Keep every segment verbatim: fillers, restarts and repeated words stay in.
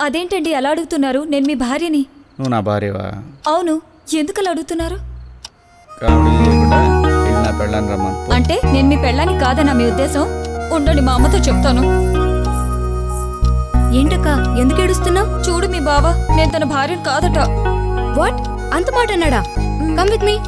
అదేంటండి అలా అడుగుతున్నారు? నేను మీ భార్యని. నువ్వు నా భార్యవా? అవును. ఎందుకు అలా అడుగుతున్నారు? అంటే నేను మీ పెళ్ళాన్ని కాదన్నా మీ ఉద్దేశం? ఉండండి, మా అమ్మతో చెప్తాను. ఏంటక్క ఎందుకు ఏడుస్తున్నావు? చూడు మీ బావ, నేను తన భార్యను కాదట. వాట్? అంత మాట అన్నాడా? Come with me.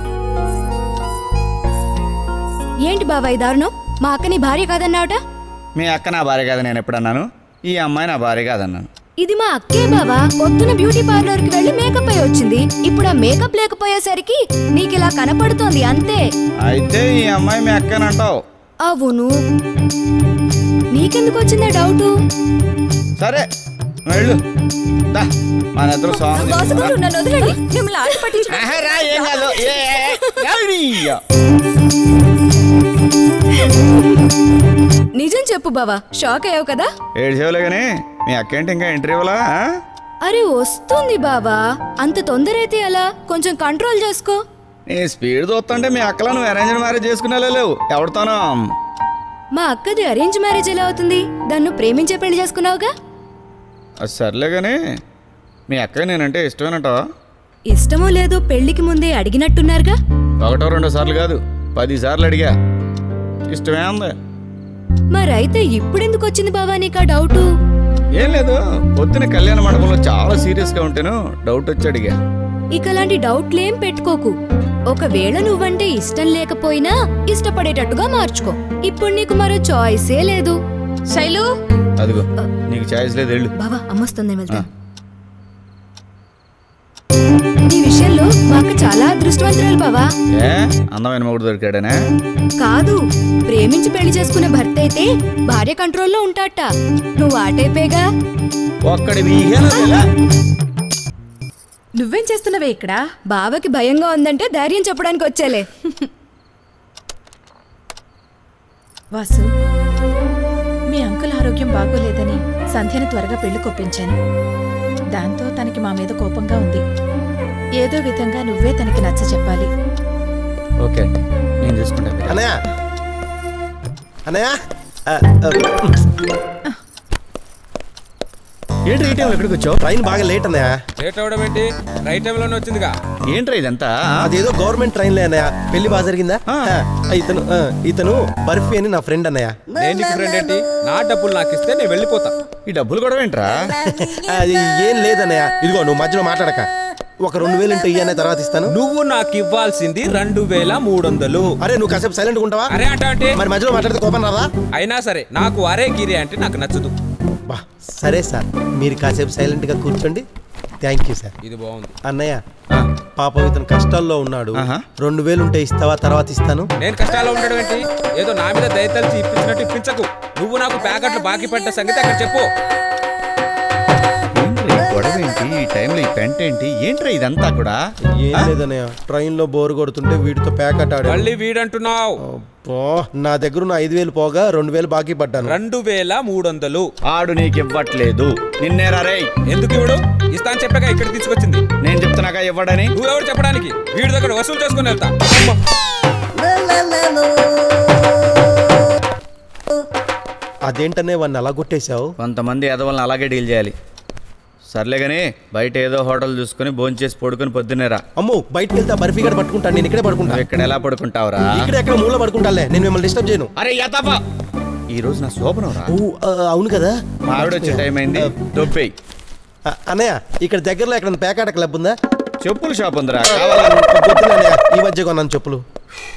ఏంటి బావా ఈ దారుణం? మా అక్క నీ భార్య కాదన్నావట. మీ అక్క నా భార్య కాదని నేను ఎప్పుడన్నాను? ఈ అమ్మాయి నా భార్య కాదన్నాను. ఇది మా అక్కే బావా. పొద్దున బ్యూటీ పార్లర్ కి వెళ్ళి మేకప్ అయి వచ్చింది. ఇప్పుడు ఆ మేకప్ లేకపోయేసరికి నీకు ఇలా కనపడుతోంది అంతే. అయితే ఈ అమ్మాయి మీ అక్కనంటావు? అవును. నీకెందుకు వచ్చిందా డౌటు? సరే వెళ్ళు. మన ఇద్దరు సాంగ్ నిజం చెప్పు బావా, షాక్ అయ్యావు కదా? ఏడ్చేవులే గానీ మీ అక్కేంటి ఇంకా ఇంటర్వ్యూలా? అరే వస్తుంది బావా, అంత తొందర అయితే ఎలా? కొంచెం కంట్రోల్ చేసుకో. నీ స్పీడ్ చూస్తుంటే మీ అక్కలో నువ్వు అరేంజ్ మ్యారేజ్ చేసుకునే లేవు. ఎవరితోనో? మా అక్కది అరేంజ్ మ్యారేజ్ ఎలా అవుతుంది? దాన్ని ప్రేమించే పెళ్లి చేసుకున్నావుగా. అది సర్లే గానీ మీ అక్కకి నేనంటే ఇష్టమేనట? ఇష్టమో లేదో పెళ్లికి ముందే అడిగినట్టున్నారుగా. ఒకటో రెండో సార్లు కాదు, పది సార్లు అడిగా. ఇష్టమే ఉంది. మరైతే ఇప్పుడెందుకు వచ్చింది బావా నీకు ఆ డౌటు? ఏం లేదు, పొద్దున కళ్యాణ మండపంలో చాలా సీరియస్ గా ఉంటేను డౌట్ వచ్చి అడిగా. ఇక అలాంటి డౌట్లేం పెట్టుకోకు. ఒకవేళ నువ్వంటే ఇష్టం లేకపోయినా ఇష్టపడేటట్టుగా మార్చుకో. ఇప్పుడు నీకు మరో చాయిసే లేదు. శైలు, అదిగో నీకు చాయిస్ లేదు, వెళ్ళు. బావా అమ్మొస్తుంది, వెళ్తా. ఈ విషయంలో మా అక్క చాలా అదృష్టవంతురాలు బావా. ఏ అందమైన మొగుడు దొరికాడనే? కాదు, ప్రేమించి పెళ్లి చేసుకునే భర్త అయితే భార్య కంట్రోల్లో ఉంటాట. నువ్వు ఆ టైపేగా. ఒక్కడి నువ్వేం చేస్తున్నావే ఇక్కడ? బావకి భయంగా ఉందంటే ధైర్యం చెప్పడానికి వచ్చేలే. వాసు, మీ అంకుల్ ఆరోగ్యం బాగోలేదని సంధ్యను త్వరగా పెళ్లి కొప్పించాను. దాంతో తనకి మా మీద కోపంగా ఉంది. ఏదో విధంగా నువ్వే తనకి నచ్చ చెప్పాలి. ఓకే, నేను చూసుకుంటా. అన్నయ్య అన్నయ్య ఏంటి ఈ టైంలో ఎక్కడికి వచ్చావు? ట్రైన్ బాగా లేట్ అన్నయ్య. లేట్ అవడం ఏంటి? రైట్ టైంలోనే వచ్చిందిగా. ఏంట్రా ఇదంతా? అదేదో గవర్నమెంట్ ట్రైన్లే అన్నయ్య. పెళ్లి బాగా జరిగిందా? ఇతను ఇతను బర్ఫీ అని నా ఫ్రెండ్ అన్నయ్య. నేను నీకు ఫ్రెండ్ ఏంటి? నా డబ్బులు నాకు ఇస్తే నేను వెళ్ళిపోతా. ఈ డబ్బులు కూడా ఏంట్రా? అది ఏం లేదన్నయ్య. ఇదిగో నువ్వు మధ్యలో మాట్లాడక. ఒక రెండు వేలు ఇంటూ ఇయ్యనే తర్వాత ఇస్తాను. నువ్వు నాకు ఇవ్వాల్సింది రెండు వేల మూడు వందలు. అరే నువ్వు కాసేపు సైలెంట్ ఉంటావా? అరే అంటే మరి మధ్యలో మాట్లాడితే కోపం రాదా? అయినా సరే నాకు అరే గిరి అంటే నాకు నచ్చదు. బా సరే సార్, మీరు కాసేపు సైలెంట్ గా కూర్చోండి. Thank you sir. ఇది బాగుంది. అన్నయ్య పాపం ఇతను కష్టాల్లో ఉన్నాడు. రెండు వేలు ఉంటే ఇస్తావా? తర్వాత ఇస్తాను. నేను కష్టాల్లో ఉండడం ఏంటి? ఏదో నా మీద దయతలిచి ఇప్పించినట్టు ఇప్పించకు. నువ్వు నాకు ప్యాకెట్లు బాకీ పడ్డ సంగతి అక్కడ చెప్పు. గొడవ ఏంటి ఈ టైంలో? ఈ పెంట ఏంటి? ఏంట్రా ఇదంతా కూడా? ఏం లేదన్నయ్య, ట్రైన్ లో బోర్ కొడుతుంటే వీడితో ప్యాకెట్ ఆడు. మళ్ళీ వీడంటున్నావు? నా దగ్గర ఉన్న ఐదు వేలు పోగా రెండు వేలు బాకీ పడ్డాను. రెండు వేల మూడు వందలు ఆడు నీకు ఇవ్వట్లేదు. నిన్నేరా రే? ఎందుకు ఇవ్వడు? ఇస్తాను చెప్పగా ఇక్కడ తీసుకొచ్చింది. నేను చెప్తున్నాగా ఇవ్వడని. నువ్వెవరు చెప్పడానికి? వీడి దగ్గర వసూలు చేసుకుని వెళ్తా. అదేంటనే వాడిని అలా కొట్టేశావు? కొంతమంది ఎదవల్ని అలాగే డీల్ చేయాలి. సర్లే గానీ బయట ఏదో హోటల్ చూసుకుని భోంచేసి పడుకుని పొద్దున్నేరా. అమ్మో బయటకు వెళ్తే బర్ఫీ గడ పట్టుకుంటాను. నేను ఇక్కడే పడుకుంటా. ఇక్కడ ఎలా పడుకుంటావురా? ఇక్కడ ఎక్కడ మూల పడుకుంటాలే. నేను మిమ్మల్ని డిస్టర్బ్ చేయను. అరే యతపా, ఈ రోజు నా శోభనం రా. అవును కదా, ఆవిడ వచ్చే టైం అయింది. దొబ్బేయ్. అన్నయ్య ఇక్కడ దగ్గరలో ఎక్కడ పేకాట క్లబ్ ఉందా? చెప్పుల షాప్ ఉందిరా. కావాలన్నయ్య, ఈ మధ్య కొన్నాను చెప్పులు.